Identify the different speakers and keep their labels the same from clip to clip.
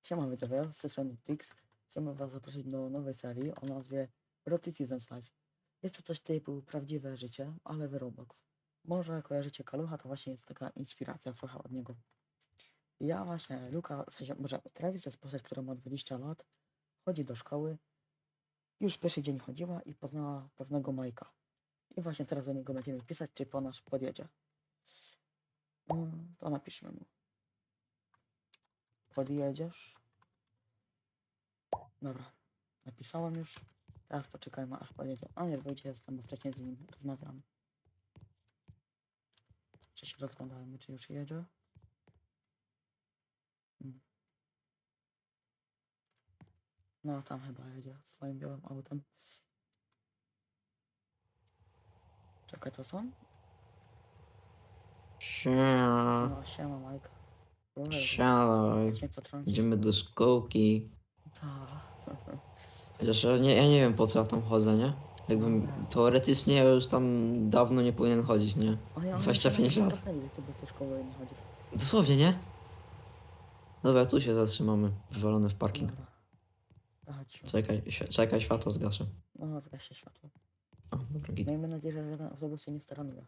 Speaker 1: Siema widzowie, z tej strony Tix. Chciałbym was zaprosić do nowej serii o nazwie Roticism's Life. Jest to coś typu prawdziwe życie, ale w Roblox. Może kojarzycie Kalucha, to właśnie jest taka inspiracja trochę od niego. Ja właśnie, Luka, w sensie, może Travis to jest postać, która ma 20 lat, chodzi do szkoły, już pierwszy dzień chodziła i poznała pewnego Majka. I właśnie teraz do niego będziemy pisać, czy po nas podjedzie. To napiszmy mu. Podjedziesz? Dobra, napisałem już. Teraz poczekajmy aż pojedzie. A nie, wyjdzie jestem, bo wcześniej z nim rozmawiam. Czy się rozglądajmy, czy już jedzie? No tam chyba jedzie swoim białym autem. Czekaj, to są?
Speaker 2: Siema.
Speaker 1: No siema Mike.
Speaker 2: Siadaj.
Speaker 1: Chodź mnie potrącić.
Speaker 2: Idziemy do szkółki.
Speaker 1: Ta.
Speaker 2: Chociaż ja nie wiem po co ja tam chodzę, nie? Jakbym teoretycznie ja już tam dawno nie powinien chodzić, nie?
Speaker 1: O ja
Speaker 2: 25 lat.
Speaker 1: Ty do tej szkoły nie chodzisz.
Speaker 2: Dosłownie, nie? Dobra, tu się zatrzymamy. Wywalone w parking.
Speaker 1: Dobra. Chodź.
Speaker 2: Czekaj, światło zgaszę.
Speaker 1: No, zgaś się światło.
Speaker 2: O, dobra, git.
Speaker 1: Miejmy nadzieję, że żaden autobus się nie staranuje.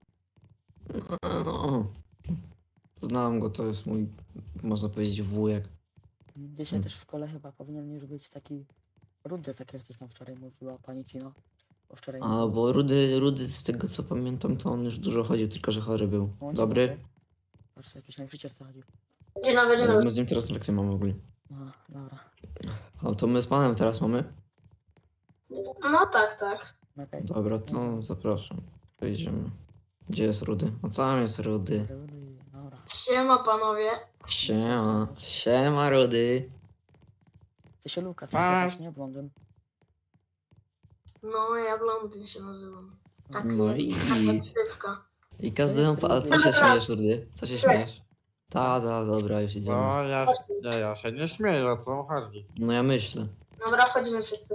Speaker 2: No. Znam go, to jest mój, można powiedzieć, wujek.
Speaker 1: Dzisiaj też w szkole chyba powinien już być taki rudy, tak jak coś tam wczoraj mówiła pani Cino. Bo wczoraj
Speaker 2: A, bo Rudy, z tego co pamiętam, to on już dużo chodził, tylko że chory był.
Speaker 1: O, dzień
Speaker 2: Dobry?
Speaker 1: Patrz, jakiś nauczyciel zachodził.
Speaker 3: Dzień dobry, dzień dobry.
Speaker 2: My z nim teraz lekcję mamy ogólnie.
Speaker 1: No, dobra.
Speaker 2: A to my z panem teraz mamy?
Speaker 3: No tak.
Speaker 1: Okej.
Speaker 2: Dobra, to zapraszam. Idziemy. Gdzie jest Rudy? O, tam jest Rudy.
Speaker 1: Rudy, dobra.
Speaker 3: Siema panowie.
Speaker 2: Siema Rudy.
Speaker 1: Ty się Lukas
Speaker 4: A.
Speaker 1: nazywasz, nie blondyn?
Speaker 3: No ja blondyn się nazywam. Tak,
Speaker 2: No i...
Speaker 3: taka ksywka.
Speaker 2: I każdemu... A co się śmiejesz, Rudy? Co się śmiejesz? Ta, dobra, już idziemy.
Speaker 4: No ja się nie śmieję, o co chodzi.
Speaker 2: No ja myślę.
Speaker 3: Dobra, wchodzimy wszyscy.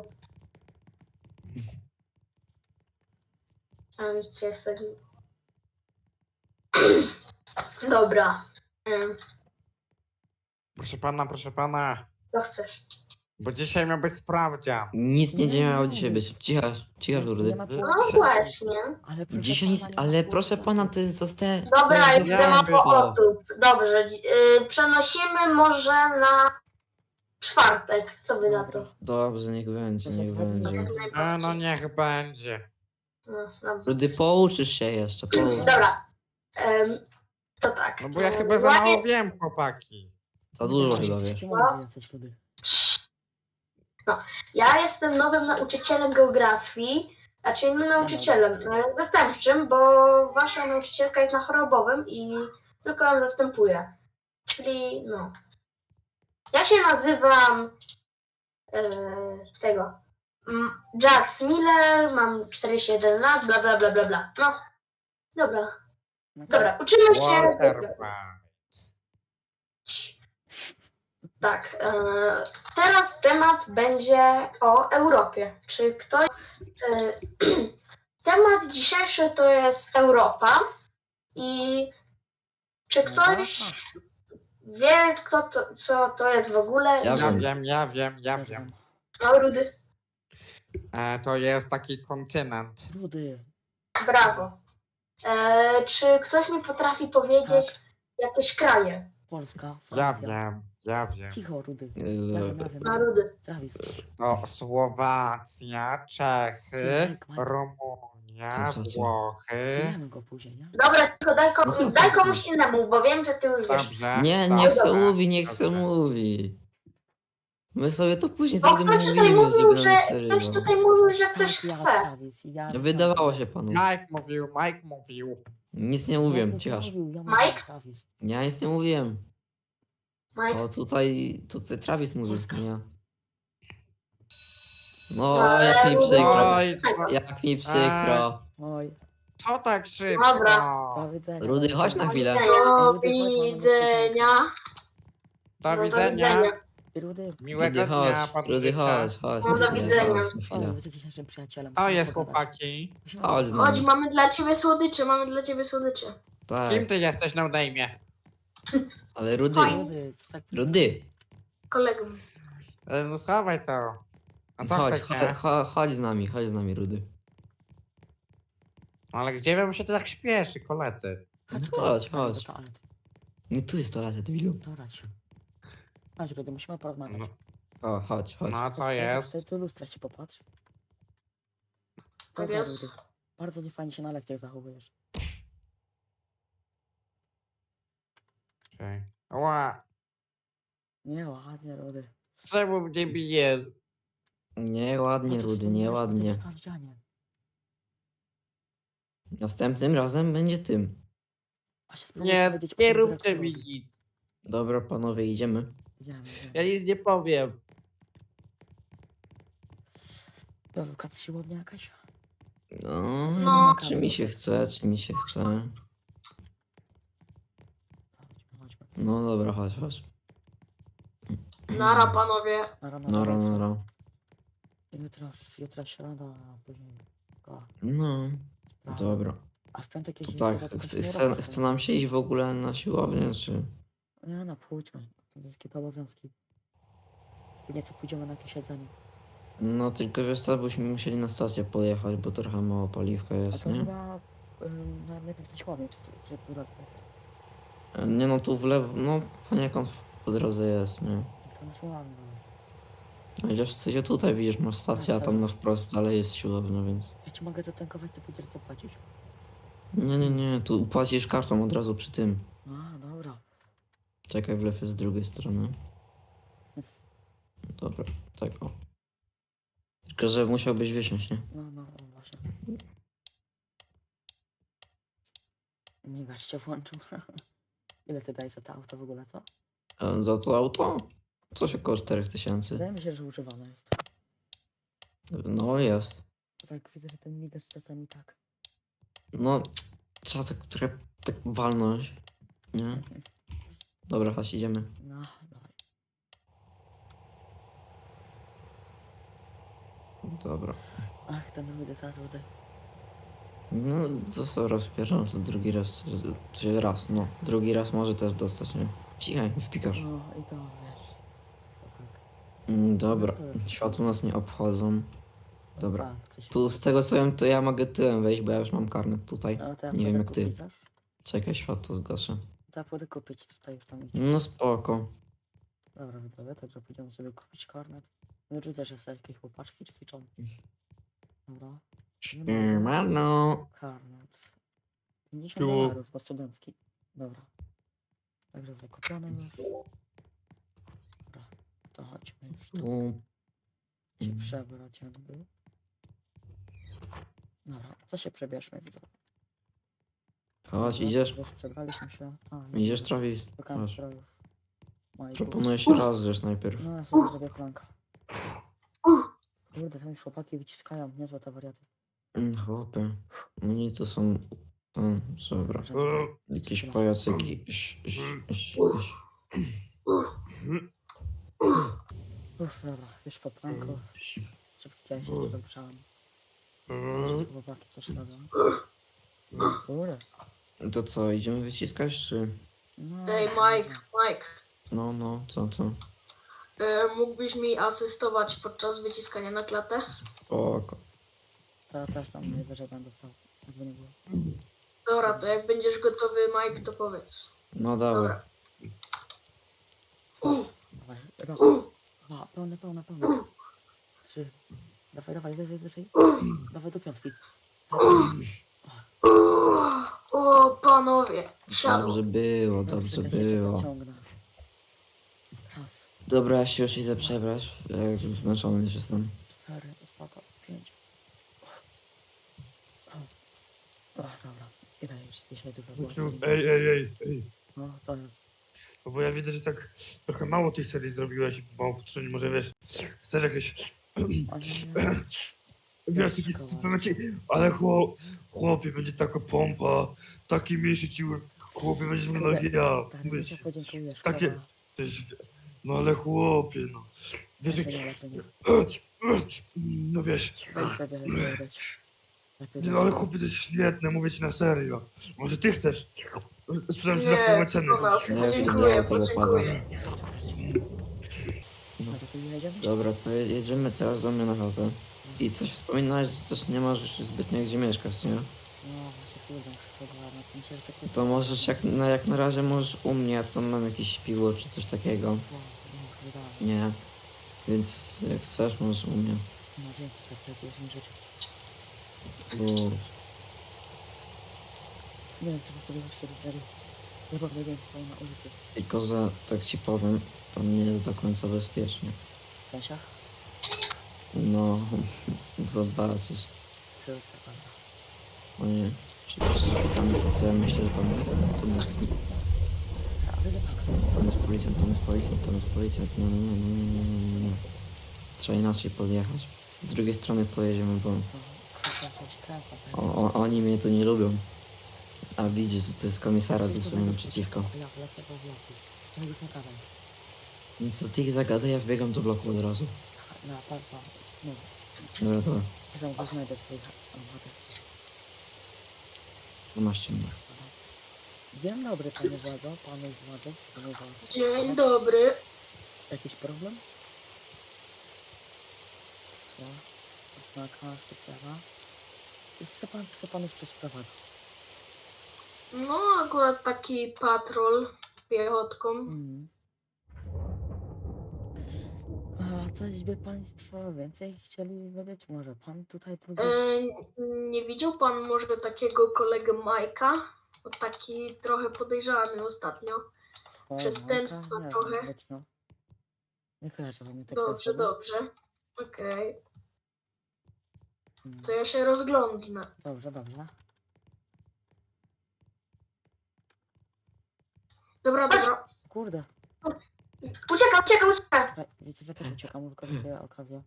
Speaker 3: A mi cię wsadzi. Dobra.
Speaker 4: Proszę pana,
Speaker 3: Co chcesz?
Speaker 4: bo dzisiaj miał być sprawdzian.
Speaker 2: Nic nie
Speaker 1: Nie,
Speaker 2: miało
Speaker 1: nie.
Speaker 2: dzisiaj być. Cicho, Rudy.
Speaker 1: Nie ma
Speaker 4: No
Speaker 1: problemu.
Speaker 3: No właśnie.
Speaker 1: Ale proszę
Speaker 2: Dzisiaj nic...
Speaker 1: pana, nie ma
Speaker 2: Ale proszę
Speaker 1: problemu.
Speaker 2: pana, to jest zoste...
Speaker 3: Dobra,
Speaker 2: to
Speaker 3: jest za mało osób. Dobrze. Przenosimy może na czwartek. Co wy na to?
Speaker 2: Dobrze, niech będzie.
Speaker 4: No niech będzie.
Speaker 3: No, dobra.
Speaker 2: Rudy, pouczysz się jeszcze, poucz.
Speaker 3: Dobra. To tak.
Speaker 4: No bo ja chyba za mało wiem, chłopaki.
Speaker 2: Za dużo chyba wiesz.
Speaker 1: Ty mądry jesteś, Rudy.
Speaker 3: Ja jestem nowym nauczycielem geografii, znaczy innym nauczycielem zastępczym, bo wasza nauczycielka jest na chorobowym i tylko ją zastępuję. Czyli no. Ja się nazywam Jax Miller, mam 41 lat, bla bla bla bla bla. No. Dobra, uczymy się.
Speaker 4: Walter White.
Speaker 3: Tak. Teraz temat będzie o Europie. Czy ktoś. Temat dzisiejszy to jest Europa. I czy ktoś wie, co to jest w ogóle?
Speaker 2: Ja
Speaker 4: Ja wiem.
Speaker 3: No, Rudy.
Speaker 4: To jest taki kontynent.
Speaker 1: Rudy.
Speaker 3: Brawo. Czy ktoś mi potrafi powiedzieć jakieś kraje?
Speaker 1: Polska,
Speaker 4: Ja
Speaker 1: Francja.
Speaker 4: wiem.
Speaker 1: Cicho, Rudy.
Speaker 3: No, Rudy.
Speaker 1: Travis.
Speaker 4: To Słowacja, Czechy, Rumunia,
Speaker 2: Co?
Speaker 4: Włochy.
Speaker 1: Wiemy go później, nie?
Speaker 3: Dobra, tylko
Speaker 2: No co
Speaker 3: daj
Speaker 2: ty?
Speaker 3: komuś innemu, bo wiem, że ty już wiesz.
Speaker 4: Dobrze.
Speaker 2: Nie,
Speaker 4: dobrze,
Speaker 2: niech se mówi, niech se
Speaker 4: dobrze.
Speaker 2: mówi. My sobie to później
Speaker 3: Bo
Speaker 2: sobie
Speaker 3: ktoś tutaj
Speaker 2: mówimy,
Speaker 3: mówił,
Speaker 2: żeby nam
Speaker 3: że
Speaker 2: nie
Speaker 3: ktoś
Speaker 2: przerywał.
Speaker 3: tutaj mówił, że ktoś
Speaker 1: Tak, ja,
Speaker 3: chce.
Speaker 1: Travis, ja.
Speaker 2: Wydawało się panu.
Speaker 4: Mike mówił.
Speaker 2: Nic nie mówiłem, cichasz.
Speaker 3: Mike?
Speaker 1: Travis.
Speaker 2: Ja nic nie mówiłem.
Speaker 3: Mike.
Speaker 2: To tutaj Travis mówił,
Speaker 1: Polska.
Speaker 2: nie ja. No, jak mi przykro.
Speaker 4: Oj,
Speaker 2: Jak mi przykro.
Speaker 1: Oj,
Speaker 4: co tak szybko?
Speaker 3: Dobra.
Speaker 1: do widzenia.
Speaker 2: Rudy, chodź na chwilę.
Speaker 3: Do
Speaker 1: Rudy, chodź, mamy
Speaker 3: widzenia.
Speaker 4: Do
Speaker 3: No,
Speaker 4: widzenia.
Speaker 1: Rudy.
Speaker 4: Miłego
Speaker 2: Rudy,
Speaker 4: dnia,
Speaker 2: chodź,
Speaker 4: panu
Speaker 2: Rudy,
Speaker 4: życzę.
Speaker 2: chodź.
Speaker 3: No, do widzenia.
Speaker 2: Chodź na
Speaker 1: O,
Speaker 2: chwilę.
Speaker 1: wy jesteś naszym przyjacielem.
Speaker 4: To jest
Speaker 1: Pogadać.
Speaker 4: chłopaki.
Speaker 1: Musimy
Speaker 2: Chodź z
Speaker 3: Chodź,
Speaker 2: nami.
Speaker 3: mamy dla ciebie słodycze,
Speaker 2: Tak,
Speaker 4: Kim ty jesteś na odejmie?
Speaker 2: ale Rudy.
Speaker 3: Fajnie.
Speaker 1: Rudy, co tak...
Speaker 2: Rudy.
Speaker 3: kolegą.
Speaker 4: No schowaj to. A co
Speaker 2: Chodź,
Speaker 4: chcecie?
Speaker 2: chodź z nami, Rudy.
Speaker 4: Ale gdzie wam się to tak śpieszy, koledzy?
Speaker 1: Chodź,
Speaker 2: No
Speaker 1: tutaj,
Speaker 2: chodź,
Speaker 1: kochani,
Speaker 2: chodź.
Speaker 1: do toalety.
Speaker 2: Nie, tu jest toaleta, debilu.
Speaker 1: Dobra, ci. Chodź, Rudy, musimy porozmawiać.
Speaker 4: No,
Speaker 2: O, chodź, chodź.
Speaker 4: no a co
Speaker 1: Tutaj
Speaker 4: jest?
Speaker 1: do lustra się popatrz.
Speaker 3: Tak
Speaker 1: Dobra,
Speaker 3: jest.
Speaker 1: Rudy. Bardzo niefajnie się na lekcjach zachowujesz.
Speaker 4: Czekaj. Ła,
Speaker 1: Nie, ładnie, Rudy.
Speaker 4: czemu mnie bijesz?
Speaker 2: Nieładnie,
Speaker 1: Chociaż
Speaker 2: Rudy,
Speaker 1: wspomniałeś o tym
Speaker 2: nieładnie.
Speaker 1: sprawdzianie.
Speaker 2: Następnym razem będzie tym.
Speaker 1: A się spróbuj
Speaker 4: Nie,
Speaker 1: powiedzieć o
Speaker 4: nie
Speaker 1: tym
Speaker 4: róbcie mi
Speaker 1: dyrektorowi.
Speaker 4: nic.
Speaker 2: Dobra, panowie, idziemy.
Speaker 1: Idziemy.
Speaker 4: Ja nic nie powiem.
Speaker 1: To edukacja siłownia jakaś?
Speaker 2: No,
Speaker 3: No.
Speaker 2: czy mi się chce, czy mi się chce.
Speaker 1: Chodźmy, chodźmy.
Speaker 2: No dobra, chodź, chodź.
Speaker 3: Nara, panowie.
Speaker 2: Nara, nara.
Speaker 1: Jutro środa, a później...
Speaker 2: No,
Speaker 1: sprawa.
Speaker 2: dobra.
Speaker 1: A w piątek
Speaker 2: To
Speaker 1: jeździ
Speaker 2: tak, chce nam się iść w ogóle na siłownię, czy...
Speaker 1: Nie, no pójdźmy. To jest kilka obowiązki. Później co pójdziemy na jakieś jedzenie.
Speaker 2: No tylko wiesz co, byśmy musieli na stację pojechać, bo trochę mało paliwka
Speaker 1: A
Speaker 2: jest,
Speaker 1: to
Speaker 2: nie?
Speaker 1: chyba najpierw na siłownię, czy po drodze jest.
Speaker 2: Nie no, tu w lewo, no poniekąd po drodze jest, nie?
Speaker 1: To na siłownię. No.
Speaker 2: No idziesz w sensie tutaj, widzisz, masz stację, a tam na wprost dalej jest siłownia, więc...
Speaker 1: Ja ci mogę zatankować, to pójdziesz zapłacić.
Speaker 2: Nie, tu płacisz kartą od razu przy tym.
Speaker 1: A, dobra.
Speaker 2: Czekaj, wlew jest z drugiej strony. Dobra, tak o. Tylko, że musiałbyś wysiąść, nie?
Speaker 1: No, właśnie. Migacz się włączył. Ile ty dajesz za to auto w ogóle, co?
Speaker 2: A za to auto? Coś około 4000.
Speaker 1: Wydaje mi się, że używane jest.
Speaker 2: No jest.
Speaker 1: To tak widzę, że ten migacz czasami tak.
Speaker 2: No, trzeba tak trochę tak walnąć, nie? Dobra, chodź, idziemy.
Speaker 1: No, dawaj.
Speaker 2: Dobra.
Speaker 1: Ach, ten rudy, ta rudy.
Speaker 2: No, to co rozpierzam, to drugi raz, czy raz, no. Drugi raz może też dostać, nie? Cichaj, wpikasz.
Speaker 1: No i to wiesz. To tak.
Speaker 2: Dobra, światło nas nie obchodzą. Dobra.
Speaker 1: A, ktoś się
Speaker 2: Tu z tego co wiem, to ja mogę tyłem wejść, bo ja już mam karnet tutaj.
Speaker 1: No, to ja
Speaker 2: Nie
Speaker 1: pójdę
Speaker 2: wiem jak ty.
Speaker 1: kupić, wiesz?
Speaker 2: Czekaj, światło zgaszę.
Speaker 1: To ja pójdę kupić tutaj już tam idzie.
Speaker 2: No spoko.
Speaker 1: Dobra, widzowie, także pójdziemy sobie kupić karnet. Wyrzucę, że sobie jakieś chłopaczki ćwiczą. Dobra.
Speaker 2: Mano.
Speaker 1: Karnet. 50
Speaker 4: Tu.
Speaker 1: dolarów, bo studencki. Dobra. Także zakupione już. Dobra, to chodźmy już tu
Speaker 2: Tu.
Speaker 1: się przebrać jakby. Dobra, co się przebierzmy? Widzowie?
Speaker 2: Chodź,
Speaker 1: Dobra,
Speaker 2: idziesz?
Speaker 1: Już przebraliśmy się.
Speaker 2: Idziesz, Travis?
Speaker 1: Szukałem
Speaker 2: Chodź.
Speaker 1: strojów. Moich
Speaker 2: Proponuję się rozgrzeć najpierw.
Speaker 1: No ja sobie zrobię planka. Kurde, tam już chłopaki wyciskają, niezłe te wariaty.
Speaker 2: Chłopie. Oni to są... Dobra. Jakieś pajacyki.
Speaker 1: Uff, dobra, już po planku. Szybki się jeszcze dogrzałem. Chłopaki też robią. Kurde.
Speaker 2: To co, idziemy wyciskać, czy...
Speaker 1: No,
Speaker 3: Ej, Mike,
Speaker 2: No, co?
Speaker 3: mógłbyś mi asystować podczas wyciskania na klatę?
Speaker 2: Spoko.
Speaker 1: To też tam najwyżej będę stał. Jakby nie było.
Speaker 3: Dobra, to jak będziesz gotowy, Mike, to powiedz.
Speaker 2: No dawaj.
Speaker 3: Dobra.
Speaker 1: Dawaj, rok. Dwa, pełne. 3. Dawaj, wyżej. Dawaj do 5.
Speaker 3: O, panowie, siadło.
Speaker 2: Dobrze było.
Speaker 1: Ciągnę. Raz,
Speaker 2: Dobra, ja się już idę przebrać. Ja już zmęczony już jestem.
Speaker 1: 4, spoko, 5. O, dobra. Ile już dzisiaj dużo było?
Speaker 5: Ej.
Speaker 1: No, to jest.
Speaker 5: No bo ja widzę, że tak trochę mało tej serii zrobiłeś i mało potrzebnie, może wiesz, chcesz jakieś,
Speaker 1: O nie,
Speaker 5: wiesz, taki suplemencie, ale chłopie, będzie taka pompa, taki mięsień ci, chłopie, będziesz wyglądał jak ja,
Speaker 1: tak,
Speaker 5: mówię
Speaker 1: nie
Speaker 5: ci,
Speaker 1: podziękujesz.
Speaker 5: takie,
Speaker 1: szkoda.
Speaker 5: to jest, no ale chłopie, no, wiesz, jak,
Speaker 1: Lepiej nie.
Speaker 5: no wiesz,
Speaker 1: Daj sobie lepiej dać. Lepiej
Speaker 5: no ale chłopie, to jest świetne, mówię ci na serio, może ty chcesz, sprzedam ci za
Speaker 3: Nie,
Speaker 5: połowę ceny.
Speaker 3: to nas.
Speaker 2: Nie,
Speaker 3: Dziękuję,
Speaker 2: nie, to
Speaker 3: podziękuję.
Speaker 1: I jedziemy?
Speaker 2: Dobra, to jedziemy teraz do mnie na chatę. I coś wspominałeś, że też nie masz zbytnio gdzie mieszkać, nie?
Speaker 1: No właśnie, kurde, muszę sobie ogarnąć. Mi się takie...
Speaker 2: To możesz jak na razie możesz u mnie, ja tam mam jakieś śpiwo czy coś takiego.
Speaker 1: O, nie wydałem.
Speaker 2: Nie. Więc jak chcesz, możesz u mnie.
Speaker 1: No dzięki, tak radziłeś mi życie.
Speaker 2: Bo
Speaker 1: Nie wiem, co sobie właśnie wybrali. Ja w ogóle wiem, stoję na ulicy.
Speaker 2: tylko, że tak ci powiem, tam nie jest do końca bezpiecznie.
Speaker 1: W sensie?
Speaker 2: No, zobaczysz.
Speaker 1: Skrytka, prawda.
Speaker 2: O nie. Czy tam jest to, co ja myślę, że tam jest.
Speaker 1: A wy tak.
Speaker 2: Tam jest policjant, tam jest policjant, tam jest policjant. Nie, nie, nie, nie, nie, nie, nie. Trzeba inaczej podjechać. Z drugiej strony pojedziemy, bo oni mnie tu nie lubią. A widzisz, że to jest komisara dosłownie naprzeciwko.
Speaker 1: Ja lecę do bloku. No już nie gadaj.
Speaker 2: No co ty ich zagadaj, ja wbiegam do bloku od razu.
Speaker 1: Na parpa. No,
Speaker 2: Dobra, dobra.
Speaker 1: znowu znajdę twoich obywateli.
Speaker 2: No masz ciemno.
Speaker 1: Dzień dobry, panie władzo, panu władzo, panu władzo.
Speaker 3: Dzień dobry.
Speaker 1: Jakiś problem? No, oznaka specjalna. I co panu coś sprowadza?
Speaker 3: No, akurat taki patrol piechotką.
Speaker 1: A coś by państwo więcej chcieli wiedzieć? Może pan tutaj próbuje?
Speaker 3: Nie widział pan może takiego kolegę Majka? Bo taki trochę podejrzany ostatnio. przestępstwa trochę.
Speaker 1: No. Nie kojarzę mnie takiego
Speaker 3: Dobrze,
Speaker 1: osoby.
Speaker 3: dobrze. Okej,
Speaker 1: Mm,
Speaker 3: to ja się rozglądnę.
Speaker 1: Dobrze, dobrze.
Speaker 3: Dobra, dobra.
Speaker 1: Kurde.
Speaker 3: Ucieka, ucieka, ucieka.
Speaker 1: Widzę, ja też uciekam, wykorzystuję okazję.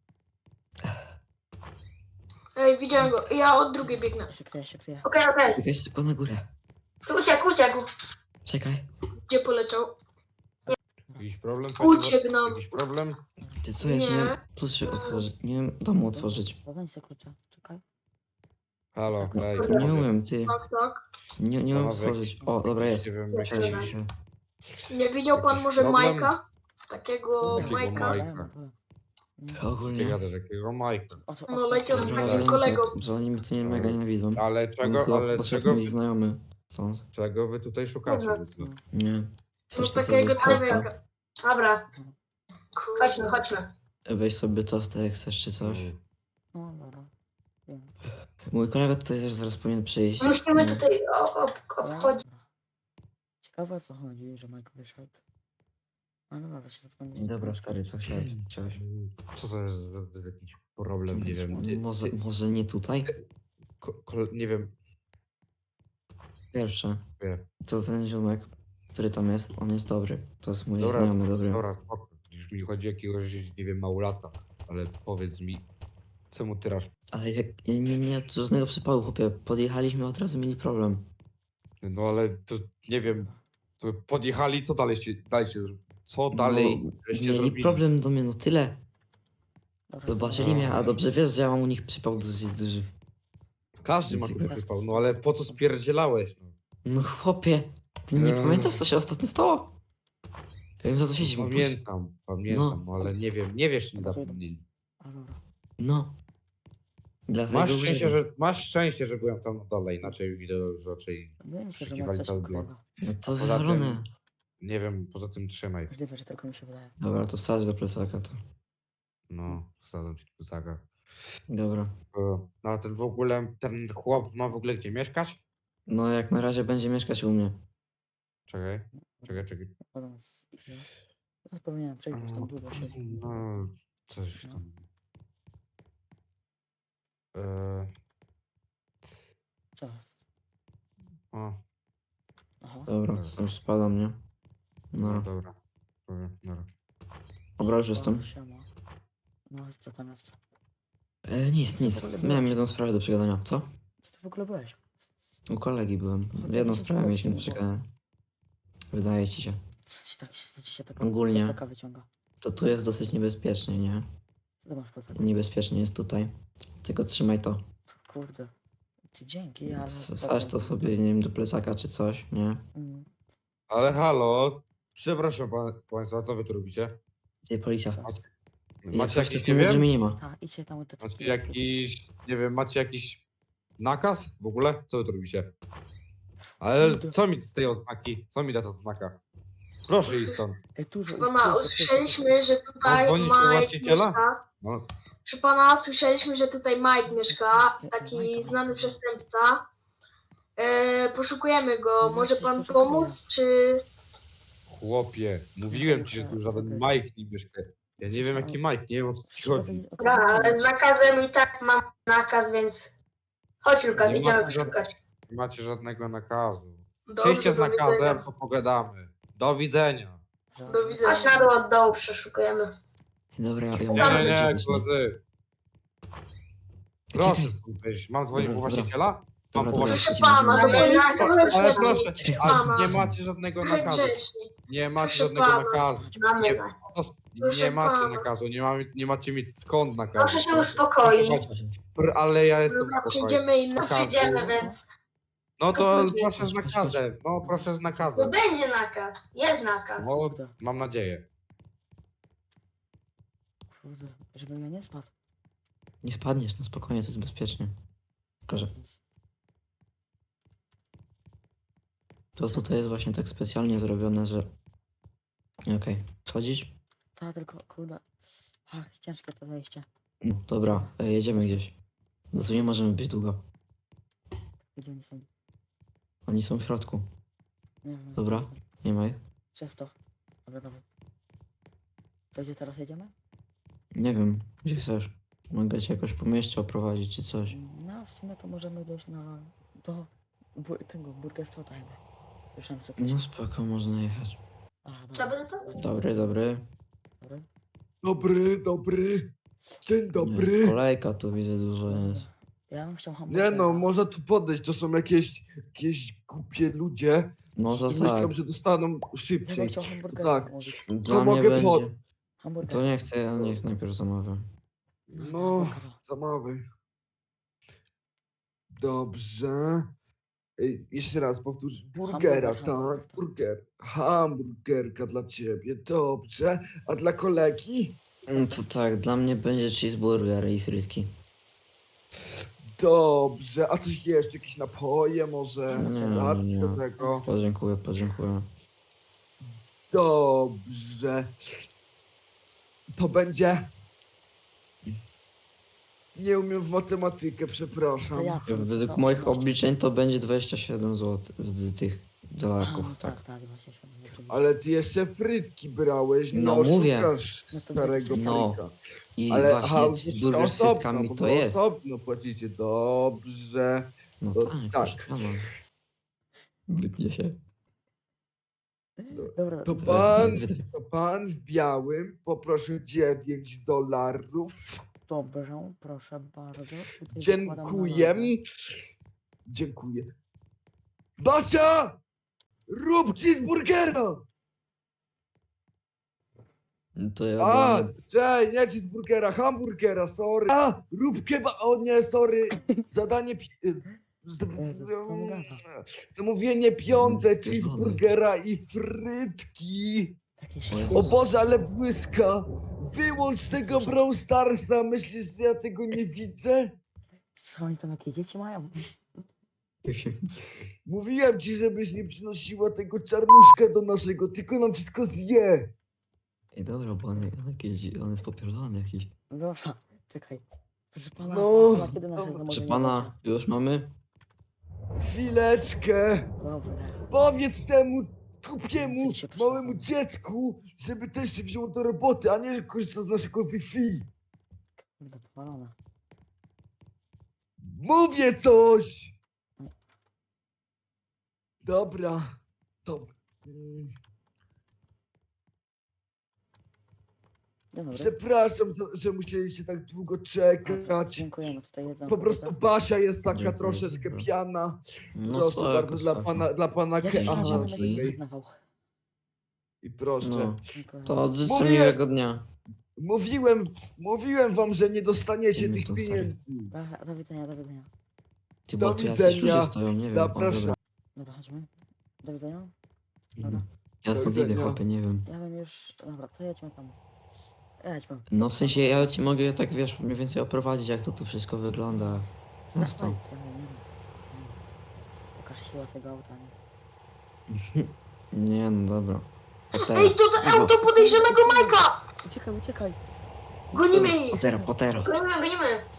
Speaker 3: Ej, widziałem go. Ja od drugiej biegnę.
Speaker 1: Ja się kryję, się kryję.
Speaker 3: Okej, okej.
Speaker 2: Biegaj szybko na górę.
Speaker 3: Uciekł, uciekł.
Speaker 2: Czekaj.
Speaker 3: Gdzie poleciał?
Speaker 4: Jakiś problem?
Speaker 3: Uciekł nam.
Speaker 4: Jakiś problem?
Speaker 2: Ty co, ja się
Speaker 3: Nie.
Speaker 2: nie wiem, tu się otworzyć. Nie wiem domu otworzyć.
Speaker 1: Podań się klucza, czekaj.
Speaker 4: Halo, daj.
Speaker 2: Nie umiem, ty.
Speaker 3: Tak, tak.
Speaker 2: Nie umiem
Speaker 4: Panowie,
Speaker 2: otworzyć. O, dobra, jest.
Speaker 4: Nie wiem,
Speaker 3: Jest,
Speaker 4: jakiś...
Speaker 3: jest.
Speaker 2: Się.
Speaker 3: Nie widział pan
Speaker 4: Jakiś
Speaker 3: może
Speaker 4: problem?
Speaker 3: Majka? Takiego
Speaker 4: Jakiego
Speaker 3: Majka?
Speaker 4: Majka?
Speaker 2: No,
Speaker 4: Co ty
Speaker 2: Ogólnie.
Speaker 4: gadasz, jakiego Majka?
Speaker 3: No, leciał z
Speaker 2: Że
Speaker 3: takim
Speaker 2: oni-
Speaker 3: kolegą.
Speaker 2: Że oni mnie tu nie mega nienawidzą.
Speaker 4: Ale
Speaker 2: On
Speaker 4: czego,
Speaker 2: chyba
Speaker 4: ale
Speaker 2: poszedł
Speaker 4: czego,
Speaker 2: mój znajomy stąd.
Speaker 4: czego wy tutaj szukacie?
Speaker 3: Dobra.
Speaker 2: Nie.
Speaker 3: No
Speaker 2: Chcesz
Speaker 3: z
Speaker 2: to
Speaker 3: takiego
Speaker 2: sobie tosta?
Speaker 3: człowieka. Dobra. Chodźmy, chodźmy.
Speaker 2: Weź sobie tosta jak chcesz czy coś.
Speaker 1: No dobra. Wiem.
Speaker 2: Mój kolega tutaj też zaraz powinien przyjść.
Speaker 3: Musimy
Speaker 2: Nie.
Speaker 3: tutaj obchodzić.
Speaker 1: Dobra. Ciekawe o co chodzi, że Mike wyszedł. Ale dobra, się rozglądam.
Speaker 2: Dobra, stary, co chciałeś?
Speaker 4: Co to jest za jakiś problem, nie wiem.
Speaker 2: Może nie tutaj?
Speaker 4: Nie wiem.
Speaker 2: Pierwsze.
Speaker 4: Nie.
Speaker 2: To ten ziomek, który tam jest, on jest dobry. To jest mój
Speaker 4: Dobra,
Speaker 2: znajomy dobry.
Speaker 4: Dobra, spoko. Już mi chodzi o jakiegoś, nie wiem, małolata. Ale powiedz mi, co mu tyrasz?
Speaker 2: Ale nie, żadnego przypału, chłopie. Podjechaliśmy, od razu mieli problem.
Speaker 4: No ale to, nie wiem, to podjechali, co dalej się co dalej
Speaker 2: No,
Speaker 4: żeście
Speaker 2: mieli
Speaker 4: zrobili?
Speaker 2: problem do mnie, no tyle.
Speaker 1: Dobra,
Speaker 2: Zobaczyli mnie, a dobrze wiesz, że ja mam u nich przypał dosyć duży.
Speaker 4: Każdy ma tu przypał, no ale po co spierdzielałeś? No?
Speaker 2: No chłopie, ty nie pamiętasz, co się ostatnio stało? Ja wiem, za to siedzimy.
Speaker 4: Pamiętam, no. Ale nie wiesz, czy zapomnieli.
Speaker 1: A dobra.
Speaker 2: No. Dlatego
Speaker 4: Masz szczęście, że byłem tam na dole, inaczej widzę, że raczej
Speaker 1: Wydaje mi się, że
Speaker 4: Przeszukiwali
Speaker 1: ma coś
Speaker 4: cały blok.
Speaker 1: ukrywa.
Speaker 2: No to
Speaker 4: Poza
Speaker 2: wywalone.
Speaker 4: nie wiem, poza tym trzymaj.
Speaker 1: Możliwe, że tylko mi się wydaje.
Speaker 2: Dobra, to wsadź do plecaka to.
Speaker 4: No, wsadzam ci tu zaga.
Speaker 2: Dobra.
Speaker 4: No a ten w ogóle, ten chłop ma w ogóle gdzie mieszkać?
Speaker 2: No jak na razie będzie mieszkać u mnie.
Speaker 4: Czekaj.
Speaker 1: Podam z ile. Teraz powinienem przejść, bo tam długo się.
Speaker 4: No, coś
Speaker 1: No.
Speaker 4: tam.
Speaker 1: Co?
Speaker 4: O,
Speaker 1: Aha.
Speaker 2: Dobra,
Speaker 4: Dobra.
Speaker 2: już spadam, nie?
Speaker 4: no
Speaker 2: No.
Speaker 4: dobra. Dobra.
Speaker 2: Dobra, już jestem.
Speaker 1: Siema. No, co tam jest?
Speaker 2: Nic. Miałem jedną sprawę do przegadania. Co?
Speaker 1: Co ty w ogóle byłeś?
Speaker 2: U kolegi byłem.
Speaker 1: No to
Speaker 2: Jedną
Speaker 1: to
Speaker 2: sprawę mieliśmy do
Speaker 1: właśnie
Speaker 2: przegadania. Wydaje ci się.
Speaker 1: Co ci się tak
Speaker 2: Ogólnie.
Speaker 1: plecaka wyciąga?
Speaker 2: To tu jest dosyć niebezpiecznie, nie?
Speaker 1: Co ty masz w plecaku?
Speaker 2: Niebezpiecznie jest tutaj. Tylko trzymaj to.
Speaker 1: Kurde. Ty dzięki, ale...
Speaker 2: Wsadź to sobie, nie wiem, do plecaka czy coś, nie?
Speaker 1: Mm.
Speaker 4: Ale halo, przepraszam państwa, co wy tu robicie?
Speaker 2: Ty, policja. Jak
Speaker 4: Macie
Speaker 2: coś, to
Speaker 4: jakiś,
Speaker 2: ty
Speaker 4: nie
Speaker 2: mów, że
Speaker 4: wiem,
Speaker 2: mnie nie ma.
Speaker 1: Tak, idźcie tam te
Speaker 4: macie jakiś, nie wiem, macie jakiś nakaz w ogóle? Co wy tu robicie? Ale
Speaker 1: Kurde.
Speaker 4: co mi z tej oznaki? Co mi da ta oznaka? Proszę iść stąd.
Speaker 1: Dużo ich,
Speaker 3: Proszę pana,
Speaker 1: proszę,
Speaker 3: usłyszeliśmy, że
Speaker 4: Mam
Speaker 3: tutaj
Speaker 4: dzwonić po
Speaker 3: Mike
Speaker 4: właściciela?
Speaker 3: mieszka.
Speaker 4: No,
Speaker 3: Proszę pana, słyszeliśmy, że tutaj Mike mieszka,
Speaker 1: Majka,
Speaker 3: taki znany
Speaker 1: Majka.
Speaker 3: przestępca. Poszukujemy go.
Speaker 1: Co,
Speaker 3: Może
Speaker 1: coś
Speaker 3: pan
Speaker 1: poszukuje.
Speaker 3: pomóc, czy...
Speaker 4: chłopie, mówiłem ci, że tu żaden Mike nie mieszka. Ja nie wiem jaki Mike, nie wiem o co ci
Speaker 1: Trzeba
Speaker 4: chodzi.
Speaker 1: wiedzieć, o co
Speaker 3: Dobra,
Speaker 1: chodzi.
Speaker 3: ale z nakazem i tak mam nakaz, więc... Chodź Lukas,
Speaker 4: Nie
Speaker 3: idziemy
Speaker 4: ma żadnego-
Speaker 3: poszukać.
Speaker 4: Nie macie żadnego nakazu.
Speaker 3: Dobrze,
Speaker 4: Przyjdźcie z
Speaker 3: do
Speaker 4: nakazem,
Speaker 3: widzenia.
Speaker 4: to pogadamy. Do widzenia.
Speaker 3: Do widzenia. Chodź na dół od dołu, przeszukujemy.
Speaker 2: Dobra, ja
Speaker 4: Nie,
Speaker 2: muszę
Speaker 4: nie, nie,
Speaker 2: zobaczyć,
Speaker 4: koledzy.
Speaker 2: Czekaj.
Speaker 4: Proszę stąd wyjść. Mam dzwonić po
Speaker 2: Dobra,
Speaker 4: właściciela? Mam
Speaker 2: Dobra,
Speaker 4: po
Speaker 2: dobra.
Speaker 3: Proszę
Speaker 4: właściciela.
Speaker 3: pana, to jest nakaz.
Speaker 4: Ale proszę,
Speaker 2: Czekaj,
Speaker 4: ale
Speaker 3: pana.
Speaker 4: nie macie żadnego
Speaker 3: Trochę
Speaker 4: nakazu.
Speaker 3: grzecznie.
Speaker 4: Nie macie
Speaker 3: Proszę
Speaker 4: żadnego
Speaker 3: pana.
Speaker 4: nakazu.
Speaker 3: Mamy
Speaker 4: Nie,
Speaker 3: nakaz.
Speaker 4: nie
Speaker 3: Proszę
Speaker 4: macie
Speaker 3: pana.
Speaker 4: nakazu, nie macie mieć skąd nakazu.
Speaker 3: Proszę się
Speaker 4: Proszę
Speaker 3: uspokoić.
Speaker 4: bardzo. Ale ja jestem
Speaker 3: Dobra,
Speaker 4: spokojny.
Speaker 3: przyjdziemy i
Speaker 4: Nakazu.
Speaker 3: przyjdziemy, więc...
Speaker 4: No to
Speaker 3: Spokojnie.
Speaker 4: proszę z nakazem. No proszę z
Speaker 3: To
Speaker 4: nakazem.
Speaker 3: będzie nakaz. Jest nakaz.
Speaker 4: No,
Speaker 1: Kurde,
Speaker 4: mam nadzieję.
Speaker 1: kurde, żebym ja nie spadł.
Speaker 2: Nie spadniesz, no spokojnie, to jest bezpiecznie. Tylko, że to tutaj jest właśnie tak specjalnie zrobione, że... Okej, schodzisz?
Speaker 1: Tak, tylko kurde. Ach, ciężkie to zejście.
Speaker 2: No, dobra, jedziemy gdzieś. Bo tu nie możemy być długo.
Speaker 1: Gdzie oni są?
Speaker 2: Oni są w środku.
Speaker 1: Nie wiem.
Speaker 2: Dobra. Nie ma ich?
Speaker 1: Przez to. Dobra, dobra. To gdzie teraz jedziemy?
Speaker 2: Nie wiem, gdzie chcesz. Mogę cię jakoś po mieście oprowadzić czy coś.
Speaker 1: No, w sumie to możemy dojść do tego Burger Shota chyba. Słyszałem, że coś.
Speaker 2: No spoko, można jechać.
Speaker 1: A, dobra.
Speaker 3: Trzeba by dostać?
Speaker 2: Dobry, dobry.
Speaker 1: Dobra.
Speaker 5: Dobry, dobry. Dzień
Speaker 2: Nie,
Speaker 5: dobry.
Speaker 2: kolejka tu widzę dużo jest.
Speaker 1: Ja bym chciał
Speaker 5: Nie
Speaker 1: hamburgera.
Speaker 5: no, można tu podejść, to są jakieś głupie ludzie,
Speaker 2: No to
Speaker 5: którzy myślą,
Speaker 2: tak.
Speaker 5: że dostaną
Speaker 1: Ja bym
Speaker 5: szybciej.
Speaker 1: chciał hamburgera
Speaker 5: tak.
Speaker 1: zamówić.
Speaker 2: Dla mnie
Speaker 5: mogę
Speaker 2: będzie...
Speaker 5: pod-
Speaker 1: Hamburger.
Speaker 2: To nie chcę, ja niech najpierw zamawiam.
Speaker 5: No,
Speaker 1: hamburgera.
Speaker 5: zamawiaj. Dobrze. Ej, jeszcze raz powtórz. Burgera,
Speaker 1: Hamburger,
Speaker 5: tak?
Speaker 1: tak.
Speaker 5: Burger. Hamburgerka dla ciebie, dobrze. A dla kolegi?
Speaker 2: No to tak, dla mnie będzie cheeseburger i frytki.
Speaker 5: Dobrze. A coś jeszcze? Jakieś napoje może?
Speaker 2: Nie,
Speaker 5: Herbatki
Speaker 2: nie.
Speaker 5: do tego?
Speaker 2: Podziękuję, podziękuję.
Speaker 5: Dobrze. To będzie... Nie umiem w matematykę, przepraszam.
Speaker 1: To ja
Speaker 2: Według
Speaker 1: to
Speaker 2: moich
Speaker 1: 18.
Speaker 2: obliczeń to będzie 27 zł z tych
Speaker 1: A,
Speaker 2: dolarków,
Speaker 1: no
Speaker 2: tak.
Speaker 1: tak, tak, właśnie się oczywiście.
Speaker 5: Ale ty jeszcze frytki brałeś, nie
Speaker 2: No, mówię.
Speaker 5: oszukasz
Speaker 1: No to
Speaker 5: starego
Speaker 2: No.
Speaker 5: fryka.
Speaker 2: I
Speaker 5: Ale
Speaker 2: właśnie cheeseburger z frytkami
Speaker 5: bo
Speaker 2: to
Speaker 5: wy
Speaker 2: jest.
Speaker 5: osobno płacicie, dobrze.
Speaker 2: No
Speaker 5: to
Speaker 2: tak,
Speaker 5: tak.
Speaker 2: proszę pana. Wytnie się.
Speaker 1: Dobra,
Speaker 5: To
Speaker 1: dobra.
Speaker 5: pan w białym poproszę $9.
Speaker 1: Dobrze, proszę bardzo. Tutaj wykładam
Speaker 5: Dziękuję.
Speaker 1: na razie.
Speaker 5: Dziękuję. Basia! Rób cheeseburgera!
Speaker 2: To ja
Speaker 5: A,
Speaker 2: będę...
Speaker 5: cześć, nie cheeseburgera, hamburgera, sorry. A, rób keba, o nie, sorry. Zadanie, zamówienie piąte, cheeseburgera i frytki.
Speaker 1: Jakieś
Speaker 5: O Boże, ale błyska. Wyłącz tego Brawl Starsa, myślisz, że ja tego nie widzę?
Speaker 1: Co oni tam, jakie dzieci mają?
Speaker 5: Mówiłem ci, żebyś nie przynosiła tego czarnuszka do naszego, tylko nam wszystko zje.
Speaker 2: Ej, dobra, bo on jest popierdolony jakiś.
Speaker 1: Dobra, czekaj. Proszę pana,
Speaker 5: No,
Speaker 1: pana kiedy naszego
Speaker 5: dobra.
Speaker 1: może
Speaker 2: Czy
Speaker 1: nie
Speaker 2: pana już mamy?
Speaker 5: Chwileczkę.
Speaker 1: będzie? Dobra.
Speaker 5: Powiedz temu głupiemu,
Speaker 1: Się
Speaker 5: małemu
Speaker 1: przesadzam.
Speaker 5: dziecku, żeby też się wziął do roboty, a nie korzysta z naszego Wi-Fi.
Speaker 1: Kurde, powalona.
Speaker 5: Mówię coś! Dobra, to...
Speaker 1: Dzień dobry.
Speaker 5: Przepraszam, że musieliście tak długo czekać.
Speaker 1: Dziękujemy, tutaj jedzą.
Speaker 5: Po prostu Basia jest taka
Speaker 2: Dziękuję,
Speaker 5: troszeczkę
Speaker 2: dziękuję.
Speaker 5: piana.
Speaker 2: No
Speaker 5: Proszę
Speaker 2: spoko,
Speaker 5: bardzo,
Speaker 2: spoko.
Speaker 5: dla pana
Speaker 1: Jakiś
Speaker 2: Aha,
Speaker 1: raz
Speaker 5: aha,
Speaker 1: będę
Speaker 2: okej.
Speaker 1: nie przyznawał.
Speaker 5: I proszę.
Speaker 2: No,
Speaker 1: Dziękuję.
Speaker 2: to życzę
Speaker 5: Mówię-
Speaker 2: miłego dnia.
Speaker 5: Mówiłem wam, że nie dostaniecie
Speaker 2: Dzień
Speaker 5: tych
Speaker 2: dobry,
Speaker 5: pieniędzy.
Speaker 1: Dobra, do widzenia, do widzenia.
Speaker 2: Ty,
Speaker 5: Do
Speaker 2: bo tu jacyś
Speaker 5: widzenia.
Speaker 2: ludzie stoją, nie wiem.
Speaker 5: Zapraszam.
Speaker 1: Dobra, chodźmy. Do widzenia.
Speaker 2: Dobra.
Speaker 1: Dobra.
Speaker 2: Ja
Speaker 5: Do
Speaker 2: stąd idę,
Speaker 5: widzenia.
Speaker 2: chłopie, nie wiem.
Speaker 1: Ja bym już... Dobra, to jedźmy tam. Jedź, mam.
Speaker 2: No w sensie ja ci mogę tak wiesz mniej więcej oprowadzić jak to tu wszystko wygląda.
Speaker 1: Znasz
Speaker 2: co?
Speaker 1: trochę, nie wiem. Pokaż siłę tego auta, nie?
Speaker 2: Nie no dobra. Potero.
Speaker 3: Ej, to auto podejrzanego Majka!
Speaker 1: Uciekaj, uciekaj.
Speaker 3: Gonimy ich!
Speaker 2: Potero.
Speaker 3: Gonimy.